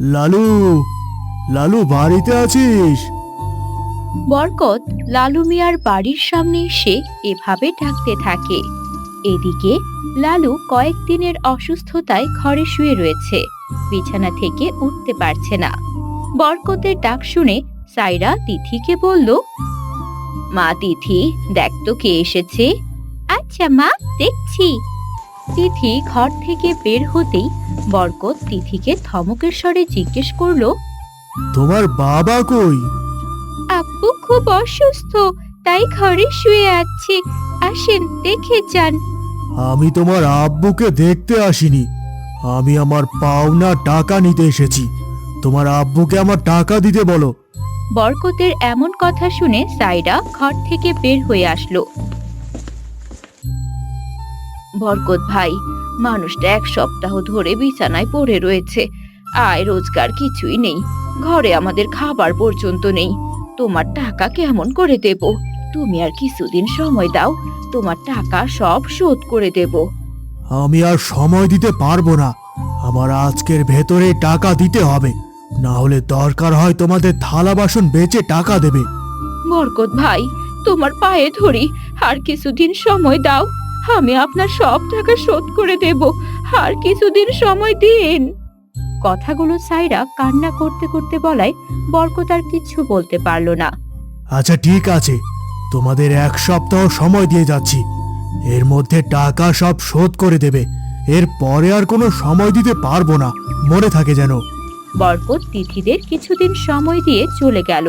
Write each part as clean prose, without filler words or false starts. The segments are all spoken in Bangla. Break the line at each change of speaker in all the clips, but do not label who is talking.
লালু, লালু বাড়িতে আছিস?
বরকত লালু মিয়ার বাড়ির সামনে এসে এভাবে ডাকতে থাকে। এদিকে লালু কয়েকদিনের অসুস্থতায় ঘরে শুয়ে রয়েছে, বিছানা থেকে উঠতে পারছে না। বরকতের ডাক শুনে সাইরা তিথিকে বলল, মা তিথি, দেখ তো কে এসেছে। আচ্ছা মা, দেখছি। তিথি ঘর থেকে বের হতেই বরকত তিথিকে ধমকের স্বরে জিজ্ঞেস করলো,
তোমার বাবা কই?
আব্বু খুব অসুস্থ, তাই ঘরে শুয়ে আছে। আসেন, দেখে যান।
আমি তোমার আব্বুকে দেখতে আসিনি, আমি আমার পাওনা টাকা নিতে এসেছি। তোমার আব্বুকে আমার টাকা দিতে বলো।
বরকতের এমন কথা শুনে সাইরা ঘর থেকে বের হয়ে আসলো। বরকত ভাই, মানুষটা 1 সপ্তাহ ধরে বিছানায় পড়ে রয়েছে, আয় রোজগার কিছুই নেই, ঘরে আমাদের খাবার পর্যন্ত নেই। তোমার টাকা কেমন করে দেব? তুমি আর কিছুদিন সময় দাও, তোমার টাকা সব শোধ করে দেব।
আমি আর সময় দিতে পারবো না, আমার আজকের ভেতরে টাকা দিতে হবে, না হলে দরকার হয় তোমাদের থালা বাসন বেচে টাকা দেবে।
বরকত ভাই, তোমার পায়ে ধরি, আর কিছুদিন সময় দাও, আমি আপনার সব টাকা শোধ করে দেব, আর কিছুদিন সময় দিন। কথাগুলো সাইরা কান্না করতে করতে বলায় বরকত আর কিছু বলতে পারলো না।
আচ্ছা ঠিক আছে, তোমাদের 1 সপ্তাহ সময় দিয়ে যাচ্ছি, এর মধ্যে টাকা সব শোধ করে দেবে। এর পরে আর কোনো সময় দিতে পারবো না, মনে থাকে যেন।
বরকত তিথিদের কিছুদিন সময় দিয়ে চলে গেল।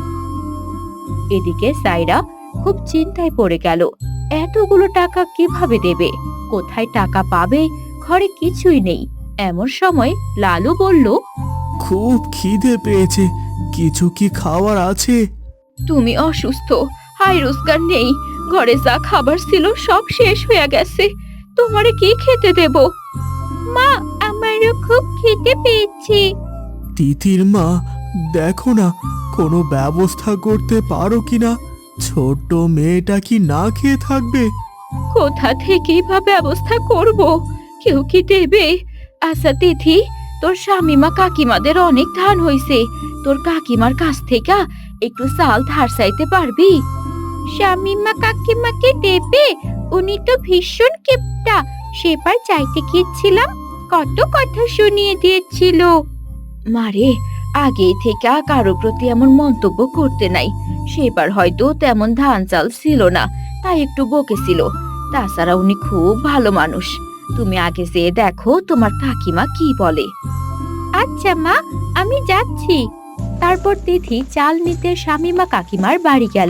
এদিকে সাইরা খুব চিন্তায় পড়ে গেল, এতগুলো টাকা কিভাবে দেবে, কোথায় টাকা পাবে, ঘরে কিছুই নেই। এমন সময় লালু বলল,
খুব খিদে পেয়েছে, কিছু কি খাওয়ার আছে?
তুমি অসুস্থ, হাই রোজগার নেই, ঘরে যা খাবার ছিল সব শেষ হয়ে গেছে, তোমারে কি খেতে দেব? মা, আমারও খুব খেতে পেয়েছে।
তিথির মা, দেখো না, কোনো ব্যবস্থা করতে পারো কিনা, ছোট্ট মেয়েটা কি না খেয়ে থাকবে?
কোথা থেকেই বা ব্যবস্থা করব, কেউ কি দেবে? আচ্ছা তিথি, তোর স্বামীমা কাকিমাদের অনেক ধান হইছে, তোর কাকিমার কাছ থেকে একটু চাল ধার চাইতে পারবি? স্বামীমা কাকিমাকে দেবে? উনি তো ভীষণ কিপটা, সেবার চাইতে গিয়েছিলাম, কত কথা শুনিয়ে দিয়েছিল। মারে, আগে থেকে কারো প্রতি এমন মন্তব্য করতে নাই, সেবার হয়তো তেমন ধান চাল ছিল না, তাই একটু বকেছিল। তাছাড়া উনি খুব ভালো মানুষ, তুমি আগে যেয়ে দেখো তোমার কাকিমা কি বলে। আচ্ছা মা, আমি যাচ্ছি। তারপর তিথি চাল নিতে স্বামীমা কাকিমার বাড়ি গেল।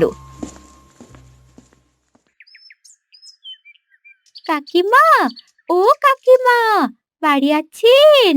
কাকিমা, ও কাকিমা, বাড়ি আছেন?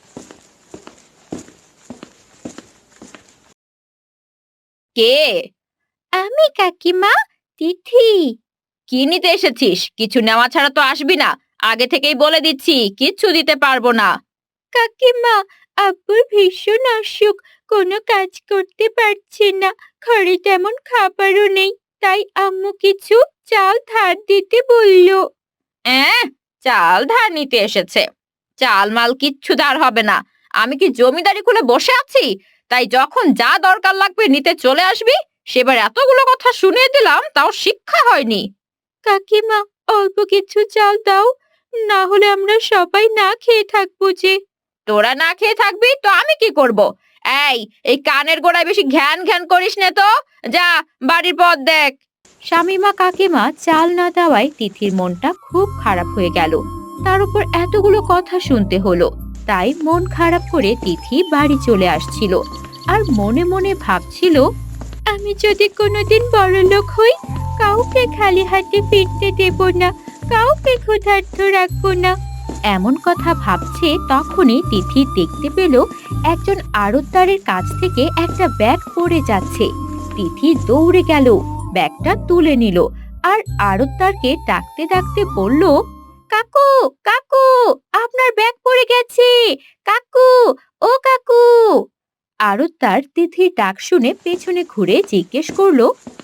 কে? আমি কাকিমা, তিথি। কি নিতে এসেছিস? কিছু নেওয়া ছাড়া তো আসবি না, আগে থেকেই বলে দিচ্ছি, কিচ্ছু দিতে পারবো না। কাকিমা, আব্বুর ভীষণ অসুখ, কোনো কাজ করতে পারছে না, ঘরে তেমন খাবারও নেই, তাই আম্মু কিছু চাল ধার দিতে বলল। চাল ধার নিতে এসেছে? চাল মাল কিচ্ছু ধার হবে না, আমি কি জমিদারি খুলে বসে আছি? তাই যখন যা দরকার লাগবে নিতে চলে আসবি। সেবার এতগুলো কথা শুনিয়ে দিলাম, তাও শিক্ষা হয়নি। কাকিমা, অল্প কিছু চাল দাও, না হলে আমরা সবাই না খেয়ে থাকবো যে। তোরা না খেয়ে থাকবি তো আমি কি করব? এই কানের গোড়ায় বেশি ঘ্যান ঘ্যান করিস নে তো, যা বাড়ির পথ দেখ। শামিমা কাকিমা চাল না দেওয়ায় তিথির মনটা খুব খারাপ হয়ে গেল, তার উপর এতগুলো কথা শুনতে হলো। তাই মন খারাপ করে তিথি বাড়ি চলে আসছিল, আর মনে মনে ভাবছিল, আমি যদি কোনোদিন বড়লোক হই, কাউকে খালি হাতে ফিরতে দেব না, কাউকে ক্ষুধার্ত রাখবো না। এমন কথা ভাবছে তখনই তিথি দেখতে পেল একজন আড়তদারের কাছ থেকে একটা ব্যাগ পড়ে যাচ্ছে। তিথি দৌড়ে গেল, ব্যাগটা তুলে নিল, আর আড়তদারকে ডাকতে ডাকতে বলল, কাকু, কাকু, আপনার ব্যাগ পড়ে গেছে, কাকু, ও কাকু। আড়তদার তিথির ডাক শুনে পেছনে ঘুরে জিজ্ঞেস করলো,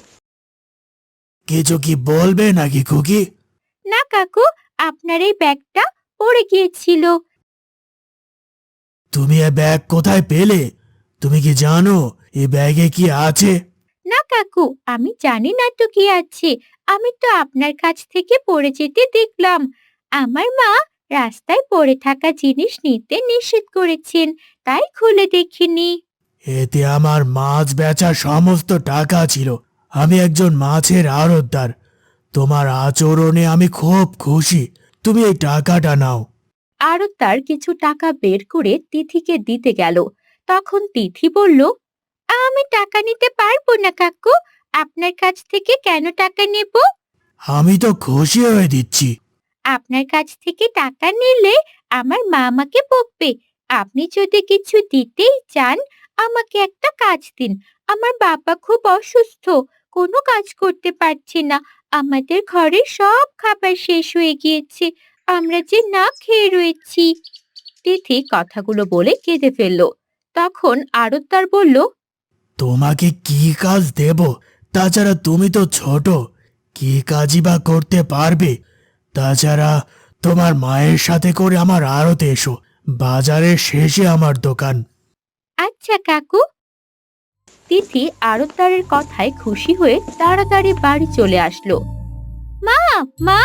কিছু কি বলবে নাকি খুকি?
না কাকু, আপনার এই ব্যাগটা পড়ে গিয়েছিল।
তুমি এ ব্যাগ কোথায় পেলে? তুমি কি জানো এ ব্যাগে কি আছে?
না কাকু, আমি জানি না তো কি আছে। আমি তো আপনার কাছ থেকে পড়ে যেতে দেখলাম। আমার মা রাস্তায় পড়ে থাকা জিনিস নিতে নিষেধ করেছেন, তাই খুলে দেখিনি।
এতে আমার মাছ বেচার সমস্ত টাকা ছিল। আমি একজন মাছের আড়তদার। তোমার আচরণে আমি খুব খুশি। তুমি এই টাকাটা নাও।
আড়তদার কিছু টাকা বের করে তিথিকে দিতে গেল। তখন তিথি বলল, আমি টাকা নিতে পারবো না কাকু। আপনার কাছ থেকে কেন টাকা নেব?
আমি তো খুশি হয়ে দিচ্ছি।
আপনার কাছ থেকে টাকা নিলে আমার মা আমাকে বকবে। আপনি যদি কিছু দিতেই চান, আমাকে একটা কাজ দিন। আমার বাবা খুব অসুস্থ, কোনো কাজ করতে পারছে না। আমাদের ঘরে সব খাবার শেষ হয়ে গিয়েছে, আমরা যে না খেয়ে রয়েছি। তিথি কথাগুলো বলে কেঁদে ফেলল। তখন আড়তদার বলল,
তোমাকে কি কাজ দেব? তাছাড়া তুমি তো ছোট, কি কাজই বা করতে পারবে? তাছাড়া তোমার মায়ের সাথে করে আমার আড়তে এসো। বাজারের শেষে আমার দোকান।
আচ্ছা কাকু। তিথি আড়তদারের কথায় খুশি হয়ে তাড়াতাড়ি বাড়ি চলে আসলো। মা, মা!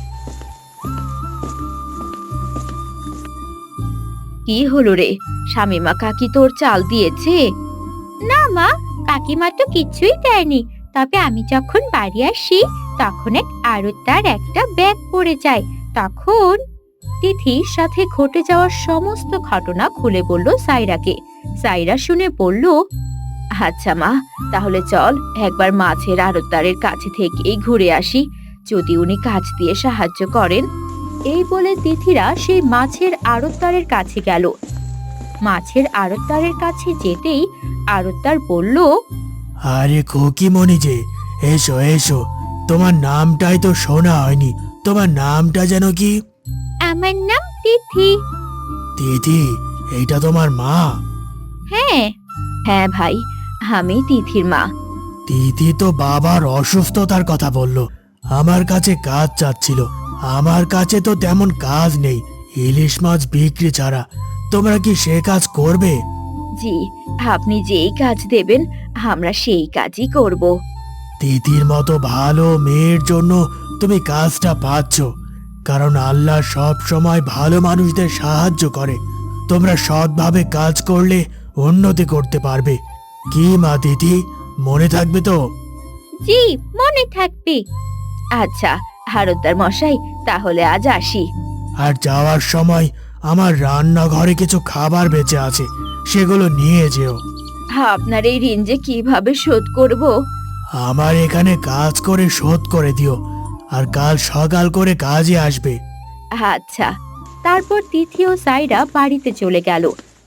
কি হলো রে? শামিমা কাকি তোর চাল দিয়েছে? না মা, কাকিমা তো কিছুই দেয়নি। তবে আমি যখন বাড়ি আসি, তখন এক আড়তদার একটা ব্যাগ পড়ে যায়। তখন তিথির সাথে ঘটে যাওয়া সমস্ত ঘটনা খুলে বলল সাইরাকে। সাইরা শুনে বলল, আচ্ছা মা, তাহলে চল একবার মাছের আড়তদারের কাছে থেকেই ঘুরে আসি, যদি উনি কাজ দিয়ে সাহায্য করেন। এই বলে তিথিরা সেই মাছের আড়তদারের কাছে গেল। মাছের আড়তদারের কাছে যেতেই আড়তদার বলল,
আরে খোকিমণি যে, এসো এসো। তোমার নামটাই তো শোনা হয়নি। তোমার নামটা যেন কি?
আমার নাম তিথি।
দিদি, এইটা তোমার মা?
হ্যাঁ, হ্যাঁ ভাই, আমি তিথির মা।
দিদি তো বাবার অসুস্থতার কথা বলল। আমার কাছে কাজ চাচ্ছিল। আমার কাছে তো তেমন কাজ নেই, ইলিশ মাছ বিক্রি ছাড়া। তোমরা কি সে কাজ করবে?
জি, আপনি যেই কাজ দেবেন আমরা সেই কাজই করব।
দিদির মতো ভালো মেয়ের জন্য তুমি কাজটা পাচ্ছ, কারণ আল্লাহ সব সময় ভালো মানুষদের সাহায্য করে। তোমরা সৎভাবে কাজ করলে উন্নতি করতে পারবে। কি মা দিদি, মনে থাকবে তো?
জি, মনে থাকবে। আচ্ছা হারুদার মশাই, তাহলে আজ আসি।
আর যাওয়ার সময় আমার রান্নাঘরে কিছু খাবার বেঁচে আছে, সেগুলো নিয়ে যেও।
আপনার এই ঋণ যে কিভাবে শোধ করব?
আমার এখানে কাজ করে শোধ করে দিও, আর কাল সকাল করে কাজে আসবে।
আচ্ছা। তারপর তিথি ও সাইরা বাড়িতে চলে গেল।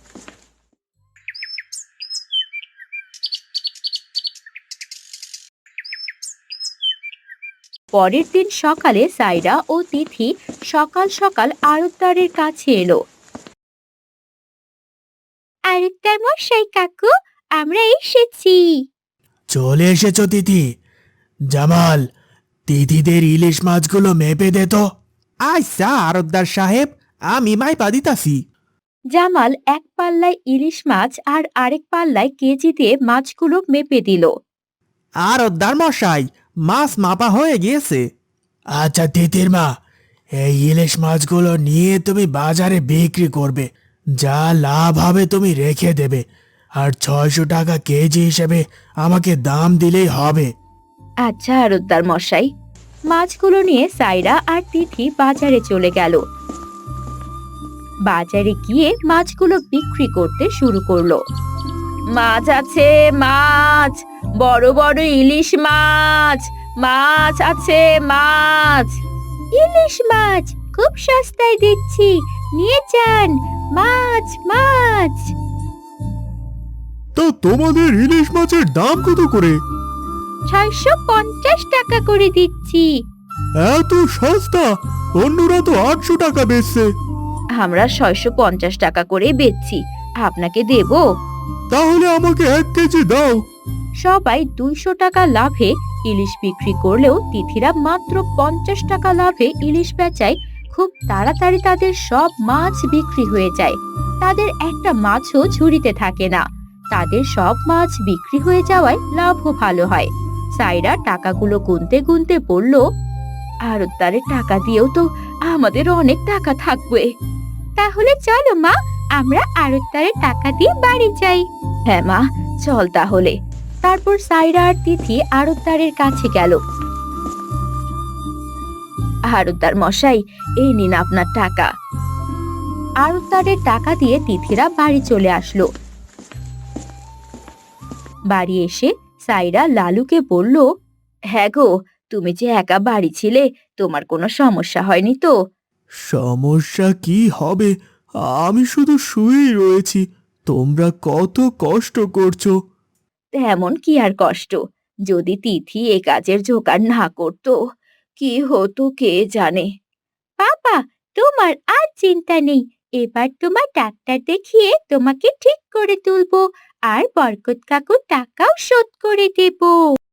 পরের দিন সকালে সাইরা ও তিথি সকাল সকাল আড়তদারের কাছে এলো। আড়তদার মশাই কাকু, আমরা এসেছি।
চলে এসেছো তিথি। জামাল, তিথিদের ইলিশ মাছগুলো মেপে দে তো।
আচ্ছা আরতদার সাহেব, আমি মাইপা দিতাছি।
জামাল এক পাল্লায় ইলিশ মাছ আর আরেক পাল্লায় কেজি দিয়ে মাছগুলো মেপে দিল।
আরতদার মশাই, মাছ মাপা হয়ে গিয়েছে।
আচ্ছা তিতির মা, এই ইলিশ মাছগুলো নিয়ে তুমি বাজারে বিক্রি করবে। যা লাভ হবে তুমি রেখে দেবে, আর 600 টাকা কেজি হিসেবে আমাকে দাম দিলেই হবে।
আচ্ছা আড়তদার মশাই। মাছগুলো নিয়ে সাইরা আর তিথি বাজারে চলে গেল। বাজারে গিয়ে মাছগুলো বিক্রি করতে শুরু করলো। মাছ আছে, মাছ, বড় বড় ইলিশ মাছ, মাছ আছে, মাছ। ইলিশ মাছ খুব সস্তায় দিচ্ছি, নিয়ে যান। মাছ, মাছ।
তো তোমাদের ইলিশ মাছের দাম কত করে?
650 টাকা করে দিচ্ছি।
এত সস্তা? অন্যরা তো 800 টাকা বেচছে।
আমরা 650 টাকা করে বেচছি, আপনাকে দেব?
তাহলে আমাকে 1 কেজি দাও।
সবাই 200 টাকা লাভে ইলিশ বিক্রি করলেও তিথিরা মাত্র 50 টাকা লাভে ইলিশ বেচায়। খুব তাড়াতাড়ি তাদের সব মাছ বিক্রি হয়ে যায়। তাদের একটা মাছও ঝুড়িতে থাকে না। তাদের সব মাছ বিক্রি হয়ে যাওয়ায় লাভও ভালো হয়। সাইরা টাকাগুলো গুনতে গুনতে বলল, আড়তদারের টাকা দিয়েও তো আমাদের অনেক টাকা থাকবে। তাহলে চলো মা, আমরা আড়তদারের টাকা দিয়ে বাড়ি যাই। হ্যাঁ মা, চল তাহলে। তারপর সাইরা আর তিথি আড়তদারের কাছে গেল। আড়তদার মশাই, এই নিন আপনার টাকা। আড়তদারের টাকা দিয়ে তিথিরা বাড়ি চলে আসলো। বাড়ি এসে সাইরা লালুকে বলল, হ্যাঁ গো, তুমি যে একা বাড়ি ছিলে, তোমার কোনো সমস্যা হয়নি তো?
সমস্যা কি হবে, আমি শুধু শুয়েই রয়েছি। তোমরা কত কষ্ট করছো।
তেমন কি আর কষ্ট, যদি তিথি এ কাজের জোগাড় না করতো, কি হতো কে জানে। বাবা, তোমার আর চিন্তা নেই। এবার তোমার ডাক্তার দেখিয়ে তোমাকে ঠিক করে তুলবো, আর বরকত কাকুর টাকাও শোধ করে দেবো।